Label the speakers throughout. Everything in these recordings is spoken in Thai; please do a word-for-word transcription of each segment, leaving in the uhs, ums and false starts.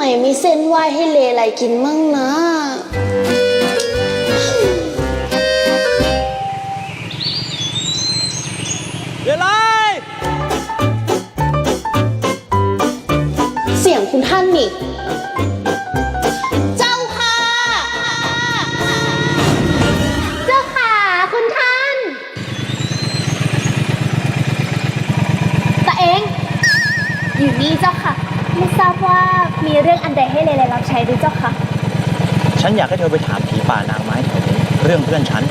Speaker 1: มีเส้นไหว้ให้เลไลกินมั่งนะ
Speaker 2: เลไล
Speaker 1: เสียงคุณท่านนี่เจ้าค่ะเจ้าค่ะคุณท่านตาเองอยู่นี่เจ้าค่ะไม่ทราบว่ามีเรื่องอันใดให้เลไลรับใช้หรือเจ้าค่ะ
Speaker 2: ฉันอยากให้เธอไปถามผีป่านางไม้แถวนี้เรื่องเพื่อนฉัน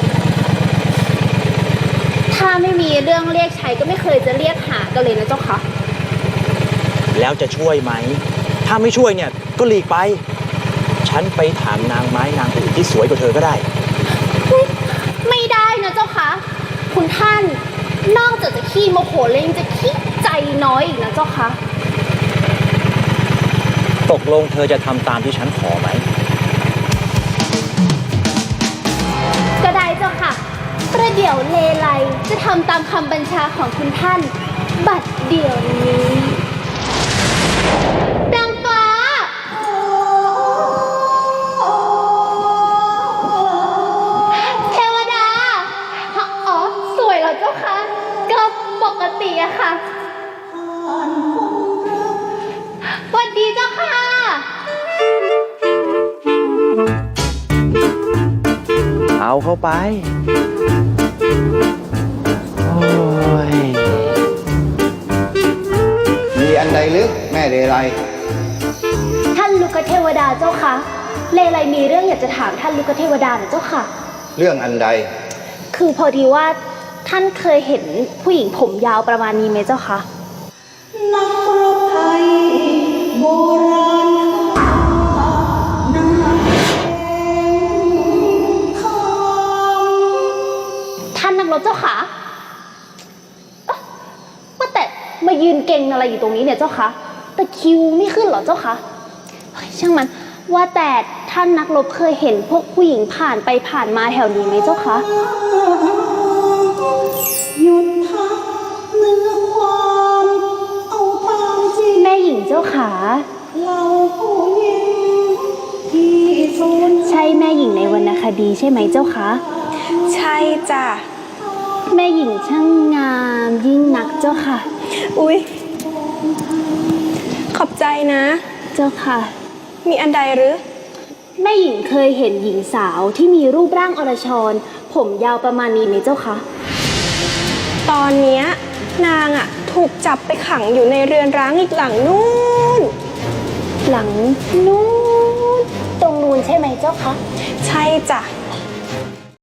Speaker 1: ถ้าไม่มีเรื่องเรียกใช้ก็ไม่เคยจะเรียกหากันเลยนะเจ้าค่ะ
Speaker 2: แล้วจะช่วยไหมถ้าไม่ช่วยเนี่ยก็หลีกไปฉันไปถามนางไม้นางอื่นที่สวยกว่าเธอก็ได้
Speaker 1: ไม่ได้นะเจ้าค่ะคุณท่านนอกจากจะขี้โมโหแล้วยังจะขี้ใจน้อยอีกนะเจ้าค่ะ
Speaker 2: ตกลงเธอจะทำตามที่ฉันขอไหม
Speaker 1: ก็ได้เจ้าค่ะประเดี๋ยวเลไลจะทำตามคำบัญชาของคุณท่านบัดเดี๋ยวนี้ดังฟ้าเทวดาอ๋อสวยเหรอเจ้าคะก็ปกติอะค่ะสวัสดีเจ้าค่ะ
Speaker 2: เอาเข้าไปโอ้ย
Speaker 3: มีอันใดหรือแม่เลไล
Speaker 1: ท่านลูกเทวดาเจ้าค่ะเลไลมีเรื่องอยากจะถามท่านลูกเทวดาหน่อยเจ้าค่ะ
Speaker 3: เรื่องอันใด
Speaker 1: คือพอดีว่าท่านเคยเห็นผู้หญิงผมยาวประมาณนี้ไหมเจ้าคะนักรบไทยโบราณท่านนักรบเจ้าค่ะว่าแต่มายืนเก่งอะไรอยู่ตรงนี้เนี่ยเจ้าคะแต่คิวไม่ขึ้นเหรอเจ้าคะช่างมันว่าแต่ท่านนักรบเคยเห็นพวกผู้หญิงผ่านไปผ่านมาแถวนี้ไหมเจ้าคะหยุดพักเนื้อความเอาตามจริงแม่หญิงเจ้าขาเราผู้หญิงที่สูญใช่แม่หญิงในวรรณคดีใช่ไหมเจ้าคะ
Speaker 4: ใช่จ้ะ
Speaker 1: แม่หญิงช่างงามยิ่งนักเจ้าค่ะ
Speaker 4: อุ๊ยขอบใจนะ
Speaker 1: เจ้าค่ะ
Speaker 4: มีอันใดหรือ
Speaker 1: แม่หญิงเคยเห็นหญิงสาวที่มีรูปร่างอรชรผมยาวประมาณนี้ไหมเจ้าคะ
Speaker 4: ตอนเนี้ยนางอ่ะถูกจับไปขังอยู่ในเรือนร้างอีกหลังนู้น
Speaker 1: หลังนู้นตรงนู้นใช่ไหมเจ้าคะ
Speaker 4: ใช่จ้ะ